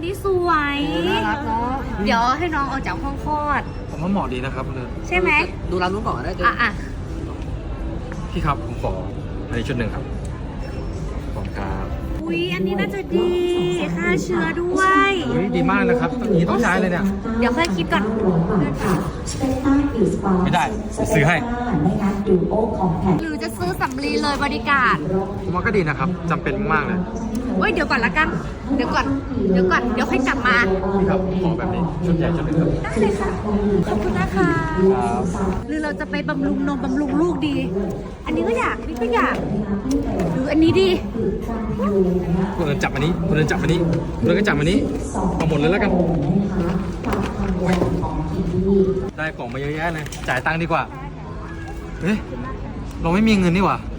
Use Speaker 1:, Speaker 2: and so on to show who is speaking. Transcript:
Speaker 1: สวย
Speaker 2: น่ารักเนาะ
Speaker 1: เดี๋ยวให้น้องออกจากห้องคลอด
Speaker 3: ผมว่าเหมาะดีนะครับเลย
Speaker 1: ใช่ไหม
Speaker 2: ดูร้านนู้นก่อนก็ได้ตัว
Speaker 1: อ่ะ
Speaker 3: พี่ครับผมขออันนี้ชุดหนึ่งครับขอบคุณครับ
Speaker 1: อุ๊ย อันนี้น่าจะดีฆ่าเชื้อด้วย
Speaker 3: เฮ้ยดีมากนะครับตอนนี้ต้องใช้เลยเนี่ย
Speaker 1: เดี๋ยวค่อยคิดก่อน
Speaker 3: ไม่ได้ซื้อให้
Speaker 1: หรือจะซื้อสำลีเลยบริการ
Speaker 3: ผมว่าก็ดีนะครับจำเป็นมากเลย
Speaker 1: เว้ย เดี๋ยวก่อนละกัน เดี๋ยวก่อน เดี๋ยวค่อยกลับมา
Speaker 3: พี่ครับขอแบบนี้ชุดใหญ่ชุดหนึ่งครับ
Speaker 1: ได้เลยค่ะ ขอบคุณนะคะ หรือเราจะไปบำรุงนมบำรุงลูกดี อันนี้ก็อยากนี่ก็อยาก หรืออันนี้ดี
Speaker 3: คุณเดินจับอันนี้คุณเดินจับอันนี้คุณเดินก็จับอันนี้เอาหมดเลยแล้วกันได้กล่องมาเยอะแยะเลยจ่ายตังค์ดีกว่าเฮ้ยเราไม่มีเงินนี่หว่า